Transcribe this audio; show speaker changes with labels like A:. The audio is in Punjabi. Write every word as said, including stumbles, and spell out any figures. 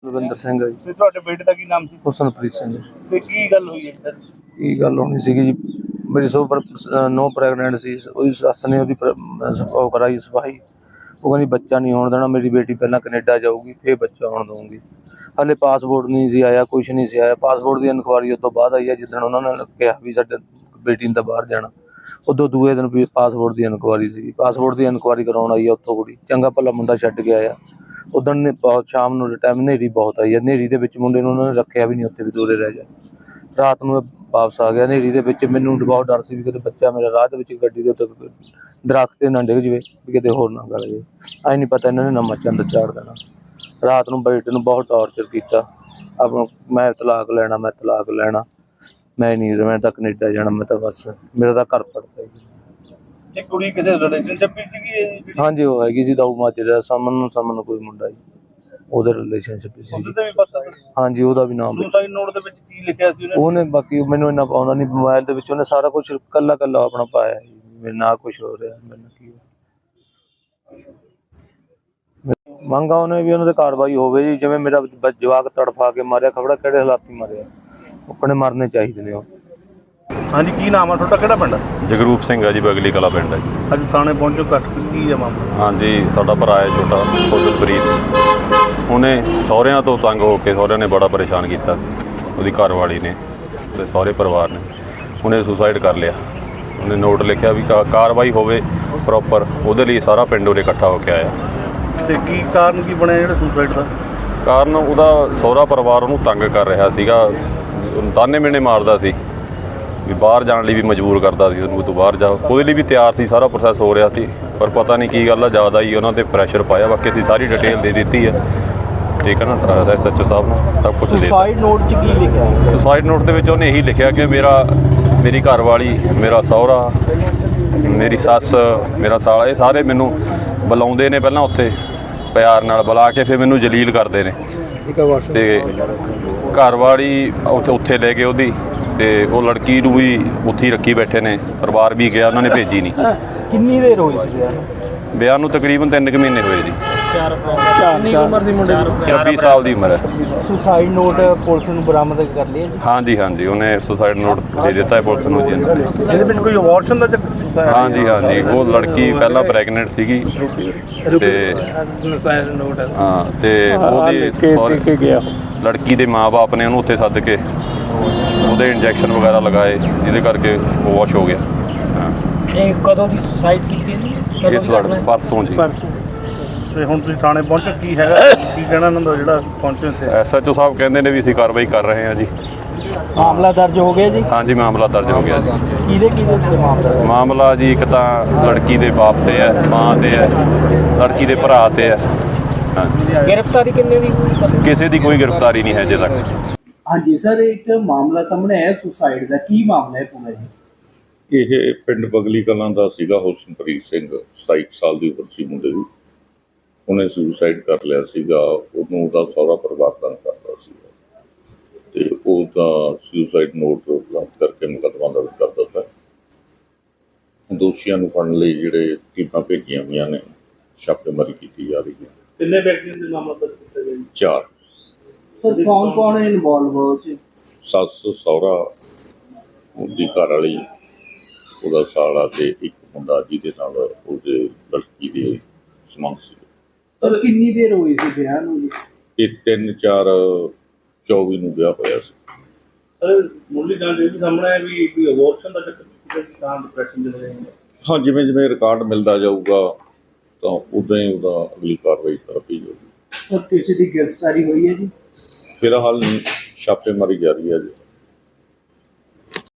A: ਰਵਿੰਦਰ ਸਿੰਘ ਹੈ ਜੀ।
B: ਤੇ ਤੁਹਾਡੇ ਬੇਟੇ ਦਾ ਕੀ ਨਾਮ ਸੀ?
A: ਹੁਸਨਪ੍ਰੀਤ ਸਿੰਘ।
B: ਤੇ ਕੀ ਗੱਲ ਹੋਈ ਹੈ ਸਰ?
A: ਕੀ ਗੱਲ ਹੋਣੀ ਸੀਗੀ ਜੀ, ਮੇਰੀ ਸੋ ਨੋ ਪ੍ਰੈਗਨੈਂਟ ਸੀ। ਉਹਦੀ ਸੱਸ ਨੇ ਉਹਦੀ ਉਹ ਕਰਾਈ ਸਫਾਈ। ਉਹ ਕਹਿੰਦੀ ਬੱਚਾ ਨਹੀਂ ਹੋਣ ਦੇਣਾ, ਮੇਰੀ ਬੇਟੀ ਪਹਿਲਾਂ ਕੈਨੇਡਾ ਜਾਊਗੀ ਫਿਰ ਬੱਚਾ ਹੋਣ ਦਊਂਗੀ। ਹਾਲੇ ਪਾਸਪੋਰਟ ਨਹੀਂ ਸੀ ਆਇਆ, ਕੁਛ ਨਹੀਂ ਸੀ ਆਇਆ। ਪਾਸਪੋਰਟ ਦੀ ਇਨਕੁਆਰੀ ਉਸ ਤੋਂ ਬਾਅਦ ਆਈ ਹੈ, ਜਿੱਦਣ ਉਹਨਾਂ ਨੇ ਕਿਹਾ ਵੀ ਸਾਡੇ ਬੇਟੀ ਨੇ ਤਾਂ ਬਾਹਰ ਜਾਣਾ। ਉਦੋਂ ਦੂਏ ਦਿਨ ਵੀ ਪਾਸਪੋਰਟ ਦੀ ਇਨਕੁਆਰੀ ਸੀ। ਪਾਸਪੋਰਟ ਦੀ ਇਨਕੁਆਰੀ ਕਰਾਉਣ ਆਈ ਆ ਉੱਥੋਂ ਕੁੜੀ, ਚੰਗਾ ਭਲਾ ਮੁੰਡਾ ਛੱਡ ਕੇ ਆਇਆ। ਉਦੋਂ ਨੇ ਬਹੁਤ ਸ਼ਾਮ ਨੂੰ ਟਾਈਮ ਹਨੇਰੀ ਬਹੁਤ ਆਈ ਹੈ। ਹਨੇਰੀ ਦੇ ਵਿੱਚ ਮੁੰਡੇ ਨੂੰ ਉਹਨਾਂ ਨੇ ਰੱਖਿਆ ਵੀ ਨਹੀਂ, ਉੱਥੇ ਵੀ ਦੂਰੇ ਰਹਿ ਜਾ। ਰਾਤ ਨੂੰ ਵਾਪਸ ਆ ਗਿਆ ਹਨੇਰੀ ਦੇ ਵਿੱਚ। ਮੈਨੂੰ ਬਹੁਤ ਡਰ ਸੀ ਵੀ ਕਿਤੇ ਬੱਚਾ ਮੇਰਾ ਰਾਹ ਦੇ ਵਿੱਚ ਗੱਡੀ ਦੇ ਉੱਤੇ ਦਰਖਤ 'ਤੇ ਨਾ ਡਿੱਗ ਜਾਵੇ, ਵੀ ਕਿਤੇ ਹੋਰ ਨਾ ਗਲ ਜਾਵੇ। ਐਂ ਨਹੀਂ ਪਤਾ ਇਹਨਾਂ ਨੇ ਨਵਾਂ ਚੰਦ ਚਾੜ ਦੇਣਾ। ਰਾਤ ਨੂੰ ਬੇਟੇ ਨੂੰ ਬਹੁਤ ਟਾਰਚਰ ਕੀਤਾ। ਆਪਣਾ ਮੈਂ ਤਲਾਕ ਲੈਣਾ, ਮੈਂ ਤਲਾਕ ਲੈਣਾ, ਮੈਂ ਨਹੀਂ ਮੈਂ ਤਾਂ ਕੈਨੇਡਾ ਜਾਣਾ, ਮੈਂ ਤਾਂ ਬਸ ਮੇਰਾ ਤਾਂ ਘਰ ਪੜਦਾ ਜੀ।
B: ਇਹ ਕੁੜੀ ਕਿਸੇ ਰਿਲੇਸ਼ਨਸ਼ਿਪ ਵਿੱਚ ਸੀਗੀ?
A: ਹਾਂਜੀ, ਉਹ ਹੈਗੀ ਸੀ ਦਾਊ ਮਾਜਰੇ ਸਮਨ ਨੂੰ ਸਮਨ ਕੋਈ ਮੁੰਡਾ ਜੀ, ਉਹਦੇ ਰਿਲੇਸ਼ਨਸ਼ਿਪ ਸੀ।
B: ਉਹਦੇ ਤੇ ਵੀ ਪਤਾ?
A: ਹਾਂਜੀ, ਉਹਦਾ ਵੀ ਨਾਮ
B: ਸੁਸਾਈਡ ਨੋਟ ਦੇ ਵਿੱਚ ਕੀ ਲਿਖਿਆ ਸੀ
A: ਉਹਨੇ? ਬਾਕੀ ਮੈਨੂੰ ਇੰਨਾ ਪਾਉਂਦਾ ਨਹੀਂ। ਮੋਬਾਈਲ ਦੇ ਵਿੱਚ ਉਹਨੇ ਸਾਰਾ ਕੁਛ ਕੱਲਾ ਕੱਲਾ ਆਪਣਾ ਪਾਇਆ ਜੀ। ਮੇਰੇ ਨਾਲ ਕੁਛ ਹੋ ਰਿਹਾ, ਮੈਨੂੰ ਕੀ ਮੰਗਾ ਉਹਨੇ ਵੀ ਉਹਨਾਂ ਦੇ ਕਾਰਵਾਈ ਹੋਵੇ ਜੀ। ਜਿਵੇਂ ਮੇਰਾ ਜਵਾਕ ਤੜਫਾ ਕੇ ਮਾਰਿਆ, ਖਬੜਾ ਕਿਹੜੇ ਹਾਲਾਤੀ ਮਾਰਿਆ, ਆਪਣੇ ਮਰਨੇ ਚਾਹੀਦੇ ਨੇ ਉਹ।
B: ਹਾਂਜੀ, ਕੀ ਨਾਮ ਆ ਤੁਹਾਡਾ, ਕਿਹੜਾ ਪਿੰਡ?
C: ਜਗਰੂਪ ਸਿੰਘ ਆ ਜੀ, ਬਗਲੀ ਕਲਾ ਪਿੰਡ ਹੈ ਜੀ।
B: ਅੱਜ ਥਾਣੇ ਪਹੁੰਚੋ, ਕੱਟ ਕੀ ਆ ਮਾਮਲਾ?
C: ਹਾਂਜੀ, ਸਾਡਾ ਭਰਾ ਹੈ ਛੋਟਾ ਹੁਸਨਪ੍ਰੀਤ। ਉਹਨੇ ਸਹੁਰਿਆਂ ਤੋਂ ਤੰਗ ਹੋ ਕੇ, ਸਹੁਰਿਆਂ ਨੇ ਬੜਾ ਪਰੇਸ਼ਾਨ ਕੀਤਾ, ਉਹਦੀ ਘਰਵਾਲੀ ਨੇ ਤੇ ਸਹੁਰੇ ਪਰਿਵਾਰ ਨੇ। ਉਹਨੇ ਸੁਸਾਈਡ ਕਰ ਲਿਆ। ਉਹਨੇ ਨੋਟ ਲਿਖਿਆ ਵੀ ਕਾ ਕਾਰਵਾਈ ਹੋਵੇ ਪ੍ਰੋਪਰ, ਉਹਦੇ ਲਈ ਸਾਰਾ ਪਿੰਡ ਉਹਦੇ ਇਕੱਠਾ ਹੋ ਕੇ ਆਇਆ।
B: ਤੇ ਕੀ ਕਾਰਨ ਕੀ ਬਣਿਆ ਜਿਹੜਾ ਸੁਸਾਈਡ ਦਾ?
C: ਕਾਰਨ ਉਹਦਾ ਸਹੁਰਾ ਪਰਿਵਾਰ ਉਹਨੂੰ ਤੰਗ ਕਰ ਰਿਹਾ ਸੀਗਾ, ਤਾਨੇ ਮਿਹਣੇ ਮਾਰਦਾ ਸੀ ਵੀ ਬਾਹਰ ਜਾਣ ਲਈ ਵੀ ਮਜਬੂਰ ਕਰਦਾ ਸੀ ਉਹਨੂੰ, ਤੂੰ ਬਾਹਰ ਜਾ। ਉਹਦੇ ਲਈ ਵੀ ਤਿਆਰ ਸੀ, ਸਾਰਾ ਪ੍ਰੋਸੈਸ ਹੋ ਰਿਹਾ ਸੀ, ਪਰ ਪਤਾ ਨਹੀਂ ਕੀ ਗੱਲ ਆ, ਜ਼ਿਆਦਾ ਹੀ ਉਹਨਾਂ 'ਤੇ ਪ੍ਰੈਸ਼ਰ ਪਾਇਆ। ਬਾਕੀ ਅਸੀਂ ਸਾਰੀ ਡਿਟੇਲ ਦੇ ਦਿੱਤੀ ਹੈ, ਠੀਕ ਹੈ ਨਾ, ਐਸ ਐਚ ਓ ਸਾਹਿਬ ਨੂੰ ਸਭ ਕੁਛ ਦੇ ਦਿੱਤਾ।
B: ਸੁਸਾਈਡ ਨੋਟ 'ਚ ਕੀ ਲਿਖਿਆ?
C: ਸੁਸਾਈਡ ਨੋਟ ਦੇ ਵਿੱਚ ਉਹਨੇ ਇਹੀ ਲਿਖਿਆ ਕਿ ਮੇਰਾ ਮੇਰੀ ਘਰਵਾਲੀ, ਮੇਰਾ ਸਹੁਰਾ, ਮੇਰੀ ਸੱਸ, ਮੇਰਾ ਸਾਲਾ, ਇਹ ਸਾਰੇ ਮੈਨੂੰ ਬੁਲਾਉਂਦੇ ਨੇ। ਪਹਿਲਾਂ ਉੱਥੇ ਪਿਆਰ ਨਾਲ ਬੁਲਾ ਕੇ ਫਿਰ ਮੈਨੂੰ ਜਲੀਲ ਕਰਦੇ ਨੇ। ਅਤੇ ਘਰਵਾਲੀ ਉੱਥੇ ਉੱਥੇ ਲੈ ਗਏ ਉਹਦੀ, ਅਤੇ ਉਹ ਲੜਕੀ ਨੂੰ ਵੀ ਉੱਥੇ ਹੀ ਰੱਖੀ ਬੈਠੇ ਨੇ। ਪਰਿਵਾਰ ਵੀ ਗਿਆ, ਉਹਨਾਂ ਨੇ ਭੇਜੀ ਨਹੀਂ।
B: ਕਿੰਨੀ ਦੇਰ ਹੋਈ ਸੀ
C: ਵਿਆਹ ਨੂੰ? ਤਕਰੀਬਨ ਤਿੰਨ ਕੁ ਮਹੀਨੇ ਹੋਏ ਜੀ।
B: ਕਿੰਨੀ ਉਮਰ ਸੀ ਮੁੰਡੇ ਦੀ?
C: ਛੱਬੀ ਸਾਲ ਦੀ ਉਮਰ ਹੈ।
B: ਸੁਸਾਈਡ ਨੋਟ ਪੁਲਿਸ ਨੂੰ ਬਰਾਮਦ ਕਰ ਲਿਆ ਜੀ?
C: ਹਾਂਜੀ ਹਾਂਜੀ, ਉਹਨੇ ਸੁਸਾਈਡ ਨੋਟ ਦੇ ਦਿੱਤਾ ਹੈ ਪੁਲਿਸ ਨੂੰ ਜੀ।
B: ਇਹਦੇ ਵਿੱਚ ਕੋਈ ਅਬੋਰਸ਼ਨ ਦਾ ਚੱਕਰ?
C: ਹਾਂਜੀ ਹਾਂਜੀ, ਉਹ ਲੜਕੀ ਪਹਿਲਾਂ ਪ੍ਰੈਗਨੈਂਟ ਸੀਗੀ ਤੇ ਹਾਂ, ਤੇ ਉਹਦੀ ਲੜਕੀ ਦੇ ਮਾਂ-ਬਾਪ ਨੇ ਉਹਨੂੰ ਉੱਥੇ ਸੱਦ ਕੇ ਉਹਦੇ ਇੰਜੈਕਸ਼ਨ ਵਗੈਰਾ ਲਗਾਏ, ਜਿਹਦੇ ਕਰਕੇ ਉਹ ਵਾਸ਼ ਹੋ ਗਿਆ। ਹਾਂ,
D: ਇਹ ਕਦੋਂ ਦੀ ਸੁਸਾਈਡ ਕੀਤੀ ਜੀ?
C: ਇਸ ਲੜ ਪਰਸੋਂ ਜੀ।
B: ਤੇ ਹੁਣ ਤੁਸੀਂ ਥਾਣੇ ਪਹੁੰਚੋ, ਕੀ ਹੈਗਾ ਕੀ ਕਹਿਣਾ ਇਹਨਾਂ ਦਾ ਜਿਹੜਾ ਪਹੁੰਚੇ ਸੀ?
C: ਐਸ ਐਚ ਓ ਸਾਹਿਬ ਕਹਿੰਦੇ ਨੇ ਵੀ ਅਸੀਂ ਕਾਰਵਾਈ ਕਰ ਰਹੇ ਹਾਂ ਜੀ।
B: ਮਾਮਲਾ ਦਰਜ ਹੋ ਗਿਆ ਜੀ? ਹਾਂਜੀ,
C: ਮਾਮਲਾ ਦਰਜ ਹੋ ਗਿਆ ਜੀ।
B: ਕਿਹਦੇ ਕਿਹਦੇ ਉੱਤੇ ਮਾਮਲਾ?
C: ਮਾਮਲਾ ਜੀ ਇੱਕ ਤਾਂ ਲੜਕੀ ਦੇ ਬਾਪ ਤੇ ਹੈ, ਮਾਂ ਤੇ ਹੈ, ਲੜਕੀ ਦੇ ਭਰਾ ਤੇ ਹੈ। ਹਾਂਜੀ,
D: ਗ੍ਰਿਫਤਾਰੀ ਕਿੰਨੇ ਦੀ ਹੋਈ?
C: ਕਿਸੇ ਦੀ ਕੋਈ ਗ੍ਰਿਫਤਾਰੀ ਨਹੀਂ ਹੈ ਅਜੇ ਤੱਕ।
E: ਹਾਂਜੀ ਸਰ, ਇੱਕ ਮਾਮਲਾ ਸਾਹਮਣੇ ਆਇਆ ਸੁਸਾਈਡ ਦਾ, ਕੀ ਮਾਮਲਾ ਹੈ ਪੂਰਾ ਜੀ?
F: ਇਹ ਪਿੰਡ ਬਗਲੀ ਕਲਾਂ ਦਾ ਸੀਗਾ। ਹੁਸਨਪ੍ਰੀਤ ਸਿੰਘ ਸਤਾਈ ਸਾਲ ਦੀ ਉਮਰ ਸੀ ਮੁੰਡੇ ਦੀ। ਉਹਨੇ ਸੁਸਾਈਡ ਕਰ ਲਿਆ ਸੀਗਾ। ਉਹਨੂੰ ਉਹਦਾ ਸਹੁਰਾ ਪਰਿਵਾਰ ਤੰਗ ਕਰਦਾ ਸੀਗਾ, ਅਤੇ ਉਹਦਾ ਸੁਸਾਈਡ ਨੋਟ ਬਰਾਮਦ ਕਰਕੇ ਮੁਕੱਦਮਾ ਦਰਜ ਕਰ ਦਿੱਤਾ। ਦੋਸ਼ੀਆਂ ਨੂੰ ਫੜਨ ਲਈ ਜਿਹੜੇ ਟੀਮਾਂ ਭੇਜੀਆਂ ਹੋਈਆਂ ਨੇ, ਛਾਪੇਮਾਰੀ ਕੀਤੀ ਜਾ ਰਹੀ ਹੈ।
B: ਕਿੰਨੇ ਵਿਅਕਤੀਆਂ ਦੇ ਮਾਮਲਾ ਦਰਜ ਕੀਤਾ ਗਿਆ?
F: ਚਾਰ।
E: ਸਰ, ਕੌਣ ਕੌਣ ਇਨਵੋਲਵ ਹੋ ਚ?
F: ਸੱਸ, ਸਹੁਰਾ, ਉਹਦੀ ਘਰ ਵਾਲੀ, ਉਹਦਾ ਸਾਲਾ ਤੇ ਇੱਕ ਮੁੰਡਾ ਜਿਹਦੇ ਨਾਲ ਉਹਦੇ ਲੜਕੀ ਦੇ ਸੰਬੰਧ ਸੀ।
E: ਸਰ, ਕਿੰਨੀ ਦੇਰ ਹੋਈ ਸੀ ਵਿਆਹ ਨੂੰ ਜੀ?
F: ਇਹ ਤਿੰਨ ਚਾਰ ਚੌਵੀ ਨੂੰ ਵਿਆਹ ਹੋਇਆ ਸੀ।
B: ਸਰ, ਮੁੱਢਲੀ ਜਾਣਕਾਰੀ ਵੀ ਸਾਹਮਣੇ ਆਇਆ ਵੀ ਕੋਈ ਅਬੋਰਸ਼ਨ ਦਾ ਚੱਕਰ ਤਾਂ ਡਿਪਰੈਸ਼ਨ ਦੇ ਰਹੇ ਨੇ।
F: ਹਾਂ, ਜਿਵੇਂ ਜਿਵੇਂ ਰਿਕਾਰਡ ਮਿਲਦਾ ਜਾਊਗਾ ਤਾਂ ਉਦਾਂ ਹੀ ਉਹਦਾ ਅਗਲੀ ਕਾਰਵਾਈ ਕਰਦੀ ਜਾਊਗੀ।
E: ਸਰ, ਕਿਸੇ ਦੀ ਗ੍ਰਿਫਤਾਰੀ ਹੋਈ ਹੈ ਜੀ?
F: ਫਿਲਹਾਲ ਛਾਪੇਮਾਰੀ ਜਾਰੀ ਹੈ ਜੀ।